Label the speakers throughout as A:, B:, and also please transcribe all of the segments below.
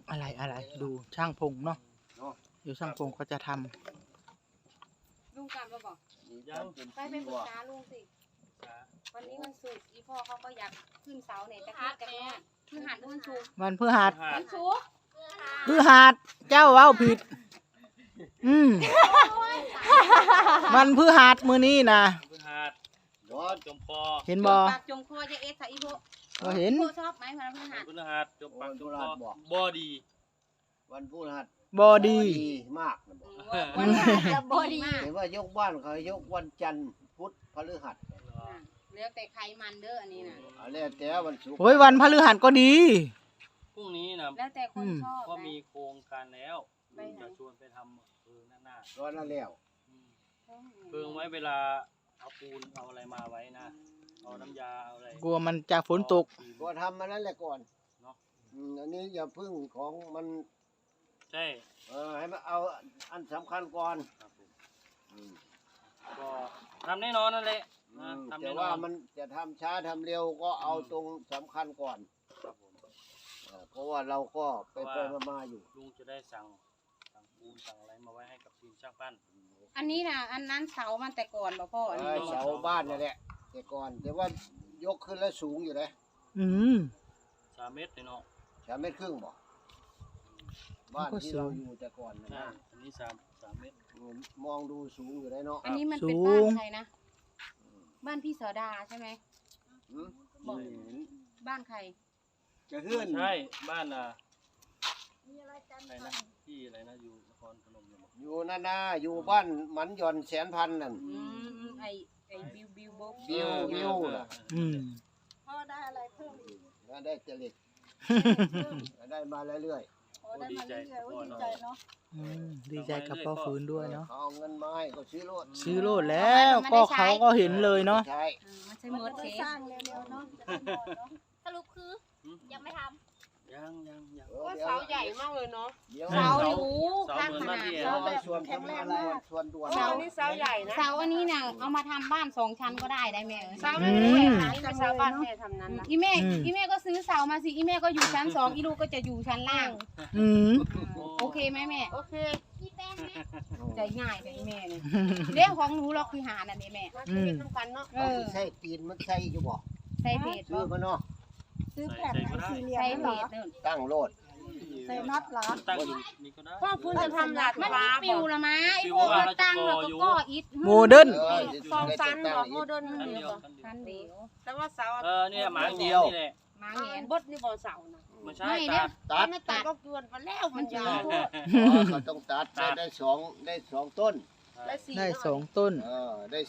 A: อะไรดูช่างพงเนาะอยู่ช่างพงก็จะทำ
B: ลุงกลับแล้วบอกไปปรึกษาลุงสิวันนี้วันศุกร์อีพ่อเขาก็อยากขึ้นเสาเนี่ยจะขึ้นกันเนี่ยพฤหัสหรือวันศุกร์
A: วันพฤหัส
B: วันศุกร์
A: พฤหัสเจ้าเว้าผิดมันพฤหัสมื้อนี้นะ
C: พฤหัสย้อนจมคอ
A: เห็นบ่
B: ปากจงคอจะเอสใส่อีโพ
A: บ่เห็น
B: อีโพชอบไหมวันพฤหัส
C: พฤหัสจมปากจมคอบอดี
D: วันพฤหัส
A: บ่ดี
D: มากนะ
B: วันพฤหัสจะบอดี
D: เห็นว่ายกบ้านเขายกวันจันทร์พุธพฤหัส
B: แล้วแต่ใครมันเด้ออันนี้นะ
D: แล้วแต่วันศุกร์
A: โอ้ยวันพฤหัสก็ดี
C: พรุ่งนี้นะ
B: แล้วแต่คนชอบ
C: ก็มีโครงการแล้วจะชวนไปทำหน้า
D: ก็นั่นแล้ว
C: เพิ่งไว้เวลาเอาปูนเอาอะไรมาไว้นะเอาน้ำยาเอาอะไร
A: กลัวมันจะฝนตก
D: ก็ทำมานั่นแหละก่อนเนาะอันนี้อย่าพึ่งของมัน
C: ใช่
D: ให้มันเอาอันสำคัญก่อน
C: ก็ทำแน่นอนนั่นแหละ
D: แต่ว่ามันจะทำช้าทำเร็วก็เอาตรงสำคัญก่อนเพราะว่าเราก็ไปมาอยู่
C: ลุงจะได้สั่งปูนสั่งอะไรมาไว้ให้กับทีมช่างปั้น
B: อันนี้นะอันนั้นเสามันแต่ก่อนบ่พ่ออันนี้
D: เสาบ้านนี่แหละแต่ก่อนแต่ว่ายกขึ้นแล้วสูงอยู่เลย
C: 3 เมตรเลยเนาะ
D: 3 เมตรครึ่งบ่บ้านที่เราอยู่แต่ก่อนนะ
C: อันนี้3 เมตร
D: มองดูสูงอยู่เลยเนาะ
B: อันนี้มันเป็นบ้านใครนะบ้านพี่เสดาใช่ไหมบ้านใคร
D: จะเฮือน
C: ใช่บ้านอะไรนะที่อะไรนะอยู่นครพนม
D: อยู่นั่นนะอยู่บ้านหมันหย่อนแสนพันนั่น
B: ไอบิว
D: ล่ะ
B: พ่อได้อะไรเพิ่มอีก
D: ได้เจริญได้มาเรื่อย
C: ๆดีใจ
B: เนาะ
A: ดีใจกับพ่อฟื้นด้วยเนาะ
D: เอาเงินมาให้ก็ซื้
A: อโลดแล้วก็เขาก็เห็นเลยเนาะ
D: ใช่
B: ไม่ใช่มดเทสร้างเร็วๆเนาะ
E: สรุปคือยังไม่ทำ
C: ยัง
B: ก็เสาใหญ่มากเลยเนาะ
C: เสา
B: อยู่ข้างขนาด
D: เสาได้ส่วนแข็งแรงมากส่วนด่วน
B: เสานี่เสาใหญ่นะเสาอันนี้น่ะเอามาทำบ้าน2 ชั้นก็ได้แม่
E: เสาไม่ได้แต่เสาบ้านแม่ทำนั้นนะ
B: อีแม่ก็ซื้อเสามาสิอีแม่ก็อยู่ชั้น2อีลูกก็จะอยู่ชั้นล่างโอเคไหมแม่
E: โอเค
B: พี่แป้งแม่ใจง่ายแต่อีแม่เนี่ยเรื่องของหนูล็อกพิหารนั่นนี่แม่
E: ทำกันเนาะ
D: ใช่ปีนมันใช่อยู่บ่
B: ใส่เพจ
D: ซื้อมาเนาะ
E: ซื้อแผ่นสี่เหลี่ยม
B: ใส่เพจ
D: ตั้งโลด
E: ใส่น็อตเหรอ
C: ตั้งอยู่นี่ก็ได้
E: พ่อฟื้นจะทำหลัก
B: มันปิวละมั้ยไอ้พวกตั้งแล้วก็ก่ออิฐ
A: โมเดิร์น
E: 2 ชั้นบอกโมเดิร์น
B: ชั้นเดียว
E: แต่ว่าเสา
C: เนี่ยหมาเดียวนี่แหละ
B: หมาแหน
E: บดนี่บ่เสานะ
C: ไม่ใช่
D: ตัด
E: ก็เกินไปแล้วมันยาว
D: เขาต้องตัดได้2 ต้น
A: ได้2 ต้น
D: ได้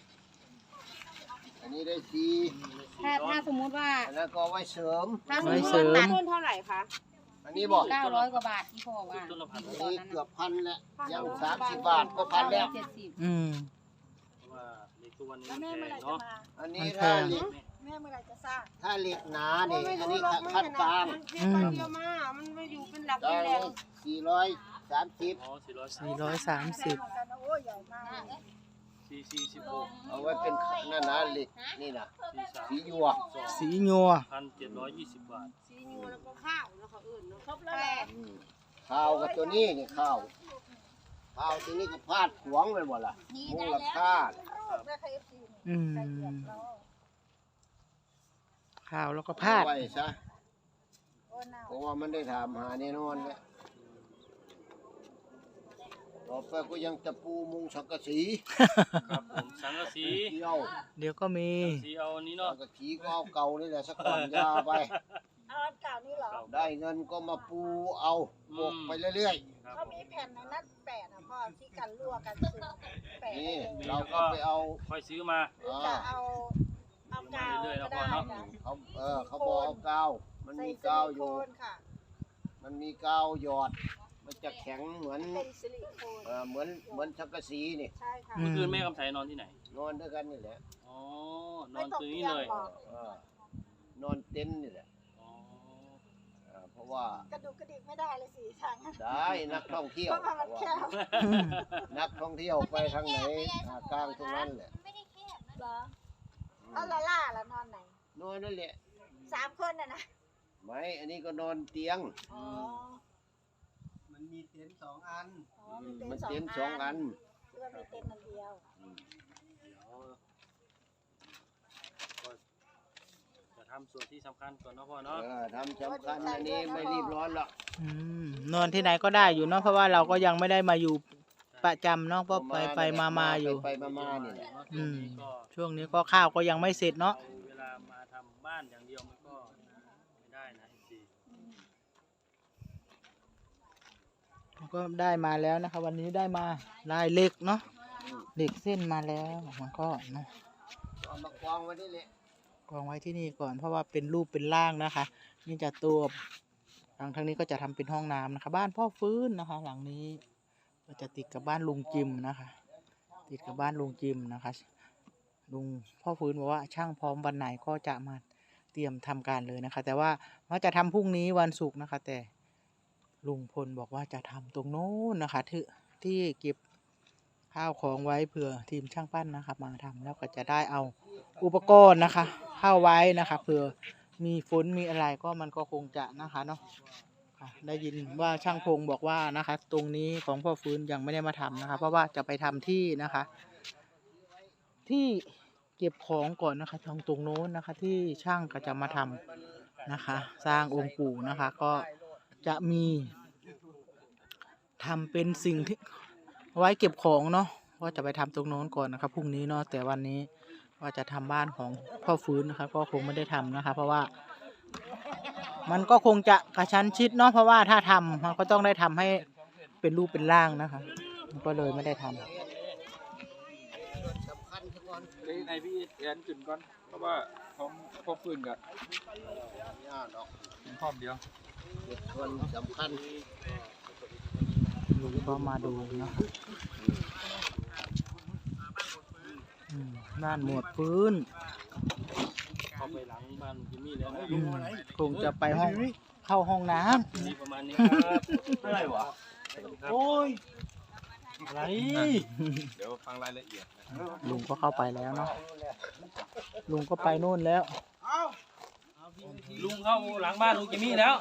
D: 4อันนี้ได้4
B: ถ้าสมมุติว่า
D: แล้วก็ไว้เสริม
E: ต้นเท่าไหร่คะ
D: อันนี้บอก
B: 900 กว่าบาทที่พ่อว่า
D: นี่เกือบ1,000แล้วยัง30 บาทก็1,000แล้ว
C: ว่าในตัวนี้เนาะ
D: อันนี้ถ้าเหล็ก
E: แม่เมื่อไรจะสร้าง
D: ถ้าเหล็กหนาเนี่ยอันนี้คัดฟาง
E: มันเยอะมากมันไม่อยู่เป็นหลักเป็นแหล่ง
D: 430
E: โอ้ใหญ่มาก
C: 446
D: เอาไว้เป็นนั่นนะเหล็กนี่นะสียัว
C: 1,720 บาท
E: สียัวแล้วก็ข้าวแล้วเขาอื่นเนาะครบแล้ว
D: ข้าวกับตัวนี้นี่ข้าวตัวนี้ก็พาดหวงไปหมดล่ะมูลค่า
A: ข้าวแล้วก็พาด
D: ไว้ซะเพราะว่ามันได้ถามหาแน่นอนเลยต่อไปก็ยังตะปูมุงสังกะสี
C: ครับผมสังกะสี
A: เดี๋ยวก็มี
C: สีเอานี้เนาะ
D: สังกะสีก็เอาเก่านี่แหละสักก่อนยาไป
E: เอาเก่านี่เหรอ
D: ได้เงินก็มาปูเอาบกไปเรื่อย
E: ๆเขามีแผ่นในนั้น8นะพ่อที่กันรั่วกันซึม8
D: นี่เราก็ไปเอา
C: ค่อยซื้อมา
E: จะเอากาวก็ได้
D: เขาบอกเอากาวมันมีกาวอยู่มันมีกาวหยอดมันจะแข็งเหมือนเหมือนสังกะสีนี่
E: ใช่ค่ะ
C: เมื่อคืนแม่กำไสนอนที่ไหน
D: นอนด้วยกันนี่แหละ
C: อ๋อนอนตรงนี้เลย
D: นอนเต็นท์นี่แหละเพราะว่าก
E: ระดูกกระดิกไม่ได้เลยสิทาง
D: ได้นักท่องเที่ยวนักท่องเที่ยวไปทางไหนกลางตรงนั้นแหละ
E: ไม่ได้แคบเหรอเอาล่าแล้วนอนไหน
D: นอนนั่นแหละ
E: 3 คนน่ะนะ
D: ไม่อันนี้ก็นอนเตียง
F: มีเต็นท์2 อัน
E: อ๋อมี
D: มัน
E: เต็
D: เต็
E: น
D: น
E: ท์
D: ท์
E: ส
D: ส
E: อ
D: อง ง
E: อั
D: อั
E: น
D: น
E: หรือว่ามีเต็นท์อันเดียว
C: จะทำส่วนที่สำคัญก่อนเนาะพ่อเนาะ
D: ทำสำคัญอันนี้ไม่รีบร้อนหรอก
A: นอนที่ไหนก็ได้อยู่เนาะเพราะว่าเราก็ยังไม่ได้มาอยู่ประจำเนาะเพราะไปมาอยู่
D: ไปมานี่แหละ
A: อืมช่วงนี้ก็ข้าวก็ยังไม่เสร็จเนาะ
C: เอาเวลามาทำบ้านอย่างเดียวมันก็ไม่ได้นะจริง
A: ก็ได้มาแล้วนะคะวันนี้ได้มาได้เหล็กเนาะเหล็กเส้นมาแล้วมันก็เนาะ
D: เอามากองไว้นี่แหละ
A: กองไว้ที่นี่ก่อนเพราะว่าเป็นรูปเป็นร่างนะคะ นี่จะตัวทางนี้ก็จะทำเป็นห้องน้ำนะคะ บ้านพ่อฟื้นนะคะ หลังนี้ก็จะติดกับบ้านลุงจิมนะคะ ติดกับบ้านลุงจิมนะคะ ลุงพ่อฟื้นบอกว่าช่างพร้อมวันไหนก็จะมาเตรียมทำการเลยนะคะ แต่ว่าจะทำพรุ่งนี้วันศุกร์นะคะ แต่ลุงพลบอกว่าจะทำตรงโน้นนะคะที่เก็บข้าวของไว้เผื่อทีมช่างปั้นนะคะมาทำแล้วก็จะได้เอาอุปกรณ์นะคะ เข้าไว้นะคะเผื่อมีฝนมีอะไรก็มันก็คงจะนะคะเนาะค่ะได้ยินว่าช่างพงบอกว่านะคะ ตรงนี้ของพ่อฟื้นยังไม่ได้มาทำนะคะ เพราะว่าจะไปทำที่นะคะ ที่เก็บของก่อนนะคะตรงโน้นนะคะ ที่ช่างก็จะมาทำนะคะ สร้างองค์ปู่นะคะ ก็จะมีทำเป็นสิ่งที่ไว้เก็บของเนาะว่าจะไปทำตรงโน้นก่อนนะครับพรุ่งนี้เนาะแต่วันนี้ว่าจะทำบ้านของพ่อฟื้นนะคะ ก็คงไม่ได้ทำนะคะ เพราะว่ามันก็คงจะกระชั้นชิดเนาะเพราะว่าถ้าทำมันก็ต้องได้ทำให้เป็นรูปเป็นร่างนะคะมันก็เลยไม่ได้ทำ
D: สำคัญซะก่อน
G: ในพี่แอนขึ้นก่อนเพราะว่าของพวกฟืนกับ
D: ย่าดอก
G: พร้อมเดียว
D: เด็กคนสำคัญ
A: ลุงก็มาดูนะคะบ้านหมวดพื้น
C: เข้าไปหลังบ้านจิมมี่แล้วนะ
A: คงจะไปเข้าห้องน้
C: นี่ประมาณนี้ครับอะไรวะโอ้ยอะไร
G: เดี๋ยวฟังรายละเอียดนะ
A: ำลุงก็เข้าไปแล้วเนาะลุงก็ไปนู่นแล้ว
C: ลุงเข้าหลังบ้านลุงจิมมี่แล้ว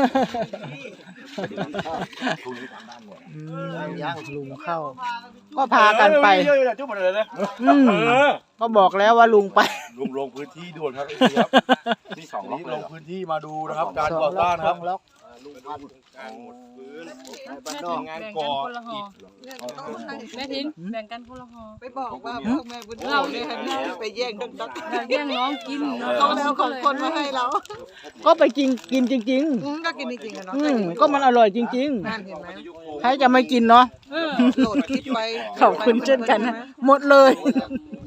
A: ลุงเข้า ก็พากันไปก็บอกแล้วว่าลุงไป
H: ลุงลงพื้นที่ด่วนครับครับที่สองนี้ลงพื้นที่มาดูนะครับ การก่อสร้างนะครับ
A: ล็อก
D: ลุงพันธุ์
H: การหมดพื้น
D: ในบ้านนอก
H: งานก่ออิฐ
B: แม่ทิ้งแบ่งกันคนละห่อ
E: ไปบอกว่าพวกแม่บุญเราเนี่ยไปแย่งดัง
B: แย่งน้องกิน
E: เขาแล้วของคนมาให้เรา
A: ก็ไปกินจริง
E: ก็กินจริงๆอะเนาะ
A: ก็มันอร่อยจริง
E: นั่นเห็นไหม
A: ๆใครจะไม่กินเนาะ
E: โหลดคลิปไว้
A: ขอบคุณเช่นกันนะหมดเลย